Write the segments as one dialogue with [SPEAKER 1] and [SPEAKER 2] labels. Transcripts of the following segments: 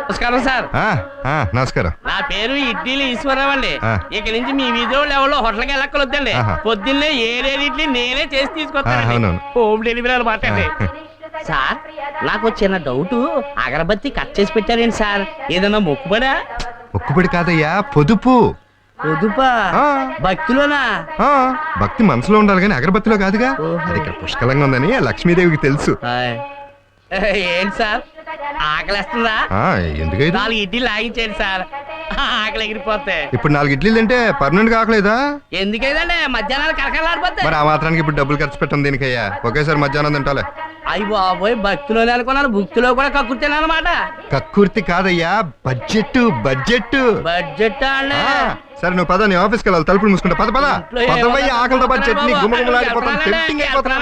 [SPEAKER 1] నమస్కారం సార్.
[SPEAKER 2] నమస్కారం.
[SPEAKER 1] నా పేరు ఇడ్లీలు ఈశ్వరరావు అండి. ఇక నుంచి మీ వీధిలో ఎవరో హోటల్కి వెళ్ళక్కలొద్దండి. పొద్దున్నే ఏడేది ఇడ్లీ నేనే చేసి తీసుకొస్తాను. హోమ్ డెలివరీ అనమాట అండి. సార్ నాకు చిన్న డౌట్, అగరబత్తి కట్ చేసి పెట్టారేంటి సార్? ఏదన్నా మొక్కుబడా?
[SPEAKER 2] మొక్కుబడి కాదయ్యా, పొదుపు.
[SPEAKER 1] పొదుపా? భక్తిలోనా?
[SPEAKER 2] భక్తి మనసులో ఉండాలి కానీ అగరబత్తిలో కాదుగా. అది ఇక్కడ పుష్కలంగా ఉందని లక్ష్మీదేవికి తెలుసు.
[SPEAKER 1] ఏంటి సార్ ఆకలిస్తుందా?
[SPEAKER 2] ఎందుకైతే
[SPEAKER 1] 4 ఇడ్లీ లాగించేయండి సార్, ఆకలి ఎగిరిపోతే.
[SPEAKER 2] ఇప్పుడు 4 ఇడ్లీలు తింటే పర్మనెంట్ కాకలేదా?
[SPEAKER 1] ఎందుకైందండి మధ్యాహ్నాలు కరకలాడిపోతే.
[SPEAKER 2] మరి ఆ మాత్రానికి ఇప్పుడు డబ్బులు ఖర్చు పెట్టం దీనికయ్యా. ఒకేసారి మధ్యాహ్నం తింటాలే.
[SPEAKER 1] అయ్యి బాబోయ్, భక్తిలోనే అనుకున్నాను, భక్తిలో కూడా కక్కుర్తాను అనమాట.
[SPEAKER 2] కక్కుర్తి కాదయ్యా, బడ్జెట్ బడ్జెట్
[SPEAKER 1] బడ్జెట్ అన్నా.
[SPEAKER 2] సరే నువ్వు పద, నీ ఆఫీస్కి వెళ్ళాలి. తలుపులు మూసుకుంటా. పదవయ్యా, ఆకలితో పాటు చట్నీ గుమ్మగుమ్మలాడిపోతాను. టెంప్టింగ్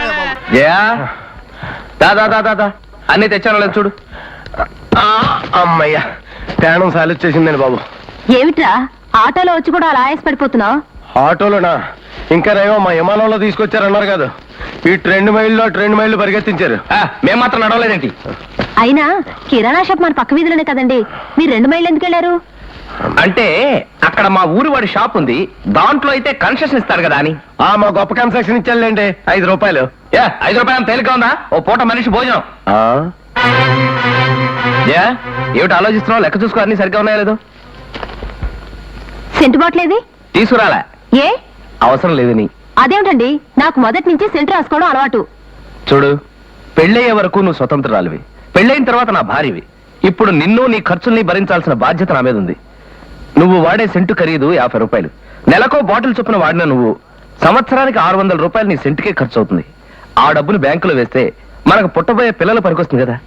[SPEAKER 2] అయిపోతున్నా.
[SPEAKER 3] అన్ని తెచ్చాను లేదు చూడు. అమ్మయ్యా, ప్రయాణం సాలిచ్చేసిందండి బాబు.
[SPEAKER 4] ఏమిట్రా ఆటోలో వచ్చి కూడా అలా ఆయాస పడిపోతున్నావు?
[SPEAKER 3] ఆటోలోనా? ఇంకా రేమో మా విమానంలో తీసుకొచ్చారన్నారు కదా. ఈ 2 మైళ్ళు పరిగెత్తించారు. మేము మాత్రం నడవలేదేంటి?
[SPEAKER 4] అయినా కిరాణా షాప్ మన పక్క వీధిలోనే కదండి, మీరు 2 మైళ్ళు ఎందుకు వెళ్ళారు?
[SPEAKER 3] అంటే అక్కడ మా ఊరి వాడి షాప్ ఉంది, దాంట్లో అయితే కన్సెషన్ ఇస్తారు కదా అని. మా గొప్ప కన్సెషన్ ఇచ్చారులేండి, 5 రూపాయలు. 5 రూపాయలు తేలిక ఉందా? ఓ పూట మనిషి భోజనం. ఏమిటి ఆలోచిస్తున్నావు? లెక్క చూసుకో, అన్ని సరిగ్గా ఉన్నాయా లేదు?
[SPEAKER 4] సెంటు బాట్లేది
[SPEAKER 3] తీసుకురాలే.
[SPEAKER 4] ఏ
[SPEAKER 3] అవసరం లేదని.
[SPEAKER 4] అదేమిటండి, నాకు మొదటి నుంచి సెంటు రాసుకోవడం అలవాటు.
[SPEAKER 3] చూడు, పెళ్ళయ్యే వరకు నువ్వు స్వతంత్రాలివి, పెళ్ళైన తర్వాత నా భార్యవి. ఇప్పుడు నిన్ను నీ ఖర్చుల్ని భరించాల్సిన బాధ్యత నా మీద ఉంది. నువ్వు వాడే సెంటు ఖరీదు 50 రూపాయలు. నెలకో బాటిల్ చొప్పున వాడిన నువ్వు సంవత్సరానికి 600 రూపాయలు నీ సెంటుకే ఖర్చు అవుతుంది. ఆ డబ్బును బ్యాంకులో వేస్తే మనకు పుట్టబోయే పిల్లలు పనికొస్తుంది కదా.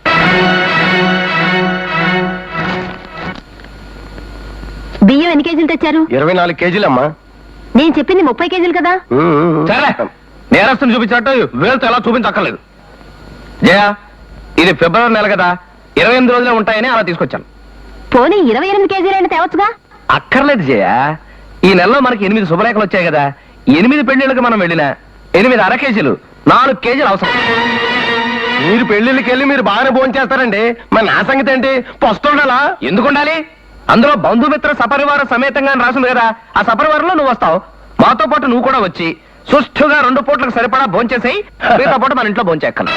[SPEAKER 4] బియ్యం ఎన్ని కేజీలు తెచ్చారు?
[SPEAKER 3] 24 కేజీలమ్మా.
[SPEAKER 4] నేను చెప్పింది 30 కేజీలు కదా.
[SPEAKER 3] సరే, నేరస్తుని చూపించినట్టు వేలుతో ఎలా చూపించక్కర్లేదు. జయ, ఇది ఫిబ్రవరి నెల కదా, 28 రోజులే ఉంటాయని అలా తీసుకొచ్చాను.
[SPEAKER 4] పోనీ 28 కేజీలైనా తేవచ్చుగా.
[SPEAKER 3] అక్కర్లేదు జయ, ఈ నెలలో మనకి 8 శుభరేఖలు వచ్చాయి కదా. 8 పెళ్లిళ్ళకి మనం వెళ్ళినా 8 అర కేజీలు, 4 కేజీలు అవసరం. మీరు పెళ్లిళ్ళకి వెళ్ళి మీరు బాగానే భోజనం చేస్తారండి, మరి నా సంగతి ఏంటి? పొస్తుండాలా? ఎందుకు ఉండాలి? అందులో బంధుమిత్ర సపరివార సమేతంగా రాసింది కదా. ఆ సపరివారంలో నువ్వు వస్తావు, మాతో పాటు నువ్వు కూడా వచ్చి సుష్ఠుగా 2 పూట్లకు సరిపడా భోంచేసేయి. మిగతా పూట మన ఇంట్లో భోంచేక్కను.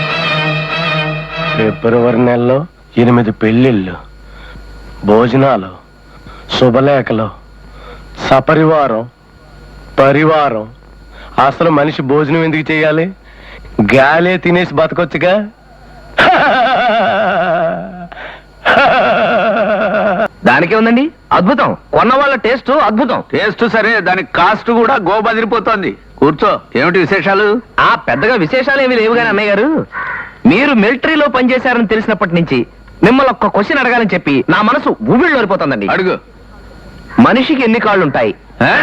[SPEAKER 3] ఫిబ్రవరి నెలలో 8 పెళ్లిళ్ళు, భోజనాలు, శుభలేఖలు, సపరివారం, పరివారం. అసలు మనిషి భోజనం ఎందుకు చేయాలి? గాలే తినేసి బతకొచ్చుగా. దానికే ఉందండి అద్భుతం. కొన్న వాళ్ళ టేస్ట్ అద్భుతం.
[SPEAKER 5] టేస్ట్ సరే, దానికి కాస్ట్ కూడా గోబదిరిపోతోంది. కూర్చో, ఏమిటి విశేషాలు?
[SPEAKER 3] పెద్దగా విశేషాలు ఏమీ లేవు కానీ అన్నయ్య గారు, మీరు మిలిటరీలో పనిచేశారని తెలిసినప్పటి నుంచి మిమ్మల్ని ఒక్క క్వశ్చన్ అడగాలని చెప్పి నా మనసు ఊబిళ్ళోరిపోతుందండి.
[SPEAKER 5] అడుగు.
[SPEAKER 3] మనిషికి ఎన్ని కాళ్ళు ఉంటాయి?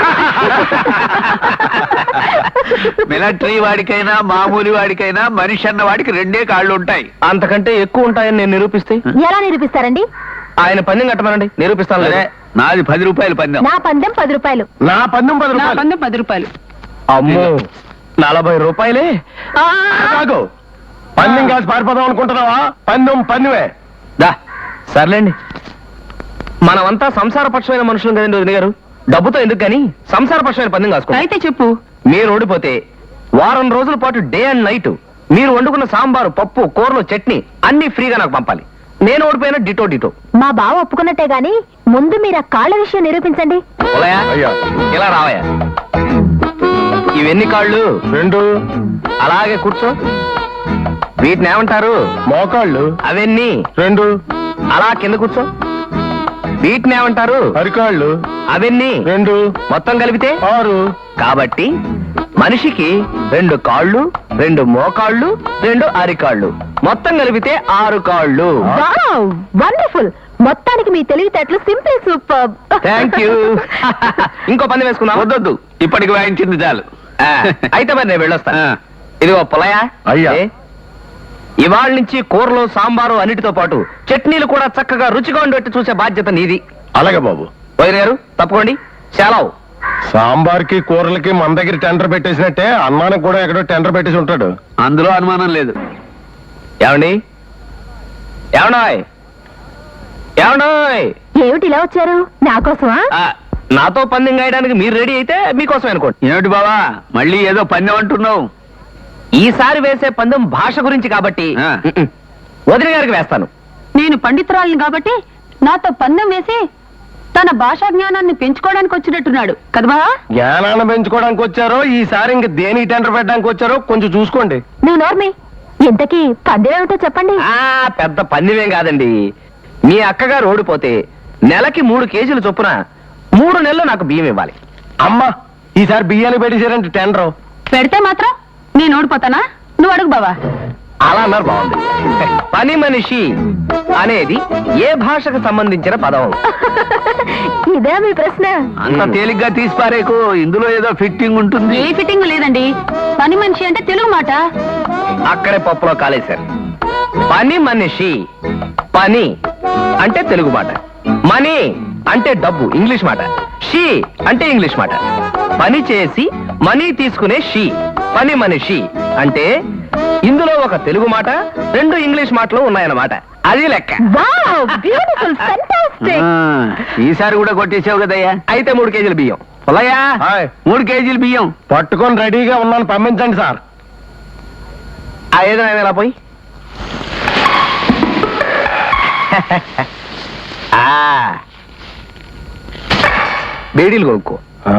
[SPEAKER 5] మిలిటరీ వాడికైనా మామూలు వాడికైనా మనిషి అన్న వాడికి 2 కాళ్ళు ఉంటాయి.
[SPEAKER 3] అంతకంటే ఎక్కువ ఉంటాయని నేను నిరూపిస్తే?
[SPEAKER 4] ఎలా నిరూపిస్తారండి?
[SPEAKER 3] ఆయన పందెం కట్టమనండి, నిరూపిస్తాను.
[SPEAKER 5] నాది 10 రూపాయలు పందెం.
[SPEAKER 4] నా పందెం 10 రూపాయలు.
[SPEAKER 3] నా పందెం 10 రూపాయలు. అమ్మో, 40 రూపాయలే. కాదు, పందెం కాసి పారిపోదాం అనుకుంటున్నావా? పందెమే. దా సర్లేండి, మనమంతా సంసారపక్షమైన మనుషులు కదండి వదిన గారు. డబ్బుతో ఎందుకు గాని సంసారపక్షమైన పందెం కాసుకో. అయితే చెప్పు. మీరు ఓడిపోతే వారం రోజుల పాటు డే అండ్ నైట్ మీరు వండుకున్న సాంబారు, పప్పు, కూరలు, చట్నీ అన్ని ఫ్రీగా నాకు పంపాలి. నేను ఓడిపోయినా డిటో.
[SPEAKER 4] మా బావ ఒప్పుకున్నట్టే గాని ముందు మీరు ఆ కాళ్ళ విషయం నిరూపించండి.
[SPEAKER 3] ఇలా రావయ్యా. ఇవెన్ని కాళ్ళు? 2. అలాగే కూర్చో. వీటిని ఏమంటారు? మోకాళ్ళు. అవన్నీ 2. అలా కింద కూర్చో. వీటిని ఏమంటారు? అరికాళ్ళు. అవన్నీ 2. మొత్తం కలిపితే 6. కాబట్టి మనిషికి 2 కాళ్ళు, 2 మోకాళ్ళు, 2 అరికాళ్ళు, మొత్తం కలిపితే 6 కాళ్ళు.
[SPEAKER 4] వండర్ఫుల్. మొత్తానికి మీ తెలివితేటలు సింపుల్, సూపర్.
[SPEAKER 3] Thank you. ఇంకో పందెం వేసుకుందాం.
[SPEAKER 5] వద్దొద్దు, ఇప్పటికి వాయించింది చాలు.
[SPEAKER 3] అయితే మరి నేను వెళ్ళొస్తాను. ఇదిగో పొలయా
[SPEAKER 5] అయ్యా,
[SPEAKER 3] ఇవాళ నుంచి కూరలు, సాంబారు అన్నిటితో పాటు చట్నీలు కూడా చక్కగా రుచిగా ఉండేట్టు చూసే బాధ్యత నీది.
[SPEAKER 5] అలాగే బాబు.
[SPEAKER 3] వదిన గారు తప్పుకోండి. సెలవు.
[SPEAKER 5] సాంబార్కి కూరలకి మన దగ్గర టెండర్ పెట్టేసినట్టే అన్నానికి కూడా ఎక్కడో టెండర్ పెట్టేసి ఉంటాడు. అందులో అనుమానం లేదు.
[SPEAKER 3] ఏమండి? ఏమన్నాయ్? ఏమండోయ్
[SPEAKER 4] ఏమిటి ఇలా వచ్చారు నా కోసమా?
[SPEAKER 3] నాతో పందెం గాయడానికి మీరు రెడీ అయితే మీకోసం అనుకోండి.
[SPEAKER 1] ఏమిటి బావా మళ్ళీ ఏదో పందెం అంటున్నావు?
[SPEAKER 3] ఈసారి వేసే పందెం భాష గురించి కాబట్టి వదిన గారికి వేస్తాను.
[SPEAKER 4] నేను పండితురాలిని కాబట్టి నాతో పందెం వేసి తన భాషా జ్ఞానాన్ని పెంచుకోవడానికి వచ్చినట్టున్నాడు కదా?
[SPEAKER 5] జ్ఞానాన్ని పెంచుకోవడానికి వచ్చారో ఈసారి ఇంక దేని టెండర్ పెట్టడానికి వచ్చారో కొంచెం చూసుకోండి.
[SPEAKER 4] నువ్వు నోర్మి, ఇంతకీ పందెం ఏమిటో చెప్పండి.
[SPEAKER 3] పెద్ద పందెమేం కాదండి. మీ అక్కగారు ఓడిపోతే నెలకి 3 కేజీలు చొప్పున 3 నెలలు నాకు బియ్యం ఇవ్వాలి.
[SPEAKER 5] అమ్మా ఈసారి బియ్యాన్ని పెట్టేశారంటే టెండర్.
[SPEAKER 4] పెడితే మాత్రం నేను ఓడిపోతానా? నువ్వు అడుగు బావా.
[SPEAKER 3] అలా అన్నారు బాగుంది. పని మనిషి అనేది ఏ భాషకు సంబంధించిన పదం?
[SPEAKER 4] ఇదే మీ ప్రశ్న?
[SPEAKER 1] అంత తేలిగ్గా తీసిపారేకు, ఇందులో ఏదో ఫిట్టింగ్ ఉంటుంది.
[SPEAKER 4] ఏ ఫిట్టింగ్ లేదండి. పని మనిషి అంటే తెలుగు మాట.
[SPEAKER 3] అక్కడే పప్పులో కాలేశారు. పని మనిషి, పని అంటే తెలుగు మాట, మనీ అంటే డబ్బు ఇంగ్లీష్ మాట, షీ అంటే ఇంగ్లీష్ మాట. పని చేసి మనీ తీసుకునే షీ పని మనిషి అంటే ఇందులో ఒక తెలుగు మాట 2 ఇంగ్లీష్ మాటలు ఉన్నాయన్నమాట. అది లెక్క.
[SPEAKER 4] Wow, beautiful, fantastic.
[SPEAKER 1] ఈసారి కూడా కొట్టేసావు కదయ్యా.
[SPEAKER 3] అయితే 3 కేజీల బియ్యం. పుల్లయ్యా,
[SPEAKER 5] హాయ్.
[SPEAKER 1] 3 కేజీలు బియ్యం.
[SPEAKER 5] పట్టుకొని రెడీగా ఉన్నాను, పంపించండి సార్.
[SPEAKER 3] ఆ ఏదైనా ఇలా పోయి. బేడీలు కొనుక్కో.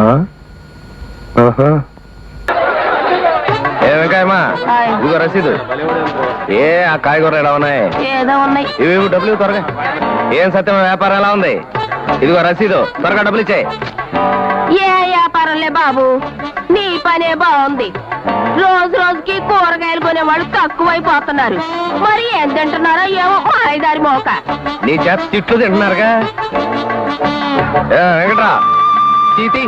[SPEAKER 3] ఏమకాయమా
[SPEAKER 4] హాయ్.
[SPEAKER 3] ఇదిగో రసీదు. ఏ ఆ కాయగూర ఎలా ఉన్నాయి?
[SPEAKER 4] ఏదో ఉన్నాయి.
[SPEAKER 3] ఇవి డబ్బులు త్వరగా. ఏం సత్యం వ్యాపారం ఎలా ఉంది? ఇదిగో రసీదు, త్వరగా డబ్బులు ఇచ్చాయి.
[SPEAKER 4] ఏ వ్యాపారంలే బాబు, నీ పనే బాగుంది. రోజు రోజుకి కూరగాయలు కొనేవాళ్ళు తక్కువైపోతున్నారు. మరి ఏం తింటున్నారో ఏమో మాయదారి మోక.
[SPEAKER 3] నీ చేత తిట్లు తింటున్నారుగా. వెంకట్రా తీతి.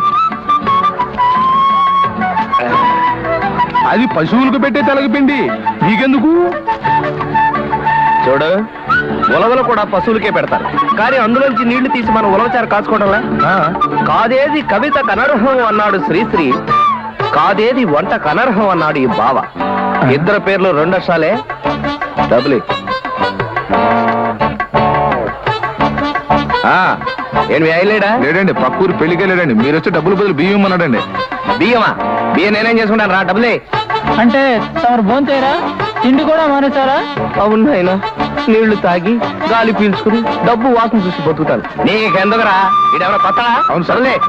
[SPEAKER 5] అది పశువులకు పెట్టే తెలగపిండి, నీకెందుకు?
[SPEAKER 3] చూడు, ఉలవలు కూడా పశువులకే పెడతారు, కానీ అందులోంచి నీళ్లు తీసి మనం ఉలవచారు కాచుకోవడంలా. కాదేది కవిత కనర్హం అన్నాడు శ్రీశ్రీ, కాదేది వంట కనర్హం అన్నాడు ఈ బావ. ఇద్దరు పేర్లు 2 అక్షరాలే. డబ్బులు ఏంటి అయ్యలేడా?
[SPEAKER 2] లేడండి, పక్కూరు పెళ్లికే లేడండి. మీరు వచ్చి డబ్బులు బదులు బియ్యం అన్నాడండి.
[SPEAKER 3] బియ్యమా? బియ్యం నేనేం చేసుకుంటాను రా. డబ్బులే.
[SPEAKER 6] అంటే తమరు భోంచేరా? తిండి కూడా మానేశారా?
[SPEAKER 3] అవును ఆయన, నీళ్లు తాగి గాలి పీల్చుకుని డబ్బు వాసన చూసి బతుకుతాను. నీకెందుకురా? ఇడెవరో పత్తడా?
[SPEAKER 2] అవును సార్.
[SPEAKER 3] సర్లే.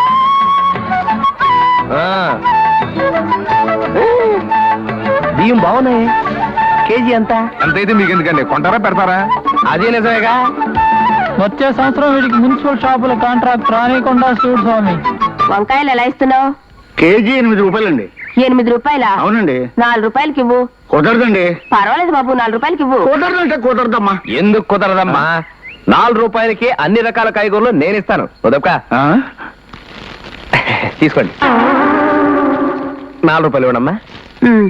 [SPEAKER 3] బియ్యం బాగున్నాయి. కేజీ ఎంత?
[SPEAKER 2] ఎంతైతే మీకు ఎందుకండి, కొంటారా పెడతారా?
[SPEAKER 3] అదే నిజమేగా.
[SPEAKER 6] వచ్చే సంవత్సరం వీడికి మున్సిపల్ షాపుల కాంట్రాక్ట్ రానికుండా చూడు స్వామి.
[SPEAKER 4] వంకాయలు ఎలా ఇస్తున్నావు?
[SPEAKER 5] కేజీ 8 రూపాయలండి.
[SPEAKER 4] 8 రూపాయలా?
[SPEAKER 5] అవునండి.
[SPEAKER 4] 4 రూపాయలకి ఇవ్వు.
[SPEAKER 5] కుదరదండి.
[SPEAKER 4] పర్వాలేదు బాబు, 4 రూపాయలకి ఇవ్వు.
[SPEAKER 5] కుదరదంటే కుదరదమ్మా.
[SPEAKER 3] ఎందుకు కుదరదమ్మా? 4 రూపాయలకి అన్ని రకాల కాయగూరలు నేను ఇస్తాను. కుదరకా? తీసుకోండి. 4 రూపాయలు ఇవ్వనమ్మా.
[SPEAKER 4] ఉమ్.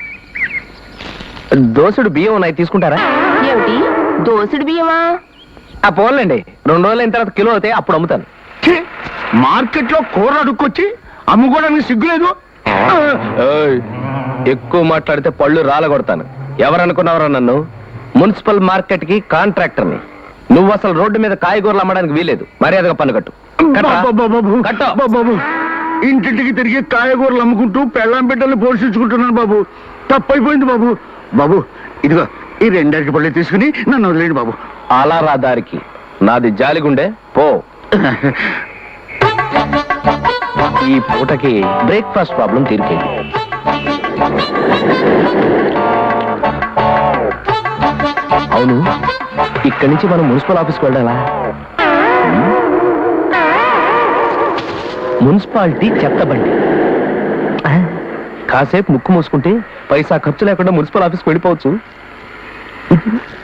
[SPEAKER 3] దోసుడు బియ్యం ఉన్నాయి, తీసుకుంటారా?
[SPEAKER 4] ఏమిటి దోసుడు బియ్యమా?
[SPEAKER 3] ఆ పోన్లేండి, 2 రోజులు అయిన తర్వాత కిలో అవుతాయి, అప్పుడు అమ్ముతాను.
[SPEAKER 5] మార్కెట్ లో కూర అడుక్కొచ్చి అమ్ముకోవడానికి సిగ్గులేదు.
[SPEAKER 3] ఏయ్, ఎక్కువ మాట్లాడితే పళ్ళు రాలగొడతాను. ఎవరనుకున్నావరా నన్ను? మున్సిపల్ మార్కెట్ కి కాంట్రాక్టర్ని. నువ్వు అసలు రోడ్డు మీద కాయగూరలు అమ్మడానికి వీలేదు. మర్యాదగా పన్ను కట్టు. కట్టు.
[SPEAKER 5] బాబు, ఇంటింటికి తిరిగి కాయగూరలు అమ్ముకుంటూ పెళ్ళాం బిడ్డలు పోషించుకుంటున్నాను బాబు. తప్పైపోయింది బాబు. బాబు ఇదిగో ఈ 2 అరటి పళ్ళు తీసుకుని నన్ను వదిలేండి బాబు.
[SPEAKER 3] అలా రా దారికి. నాది జాలిగుండే పో. ఈ పూటకి బ్రేక్ఫాస్ట్ ప్రాబ్లం తీరిపోయింది. అవును, ఇక్కడి నుంచి మనం మున్సిపల్ ఆఫీస్కి వెళ్ళాలా? మున్సిపాలిటీ చెత్త బండి. కాసేపు ముక్కు మూసుకుంటే పైసా ఖర్చు లేకుండా మున్సిపల్ ఆఫీస్కి వెళ్ళిపోవచ్చు.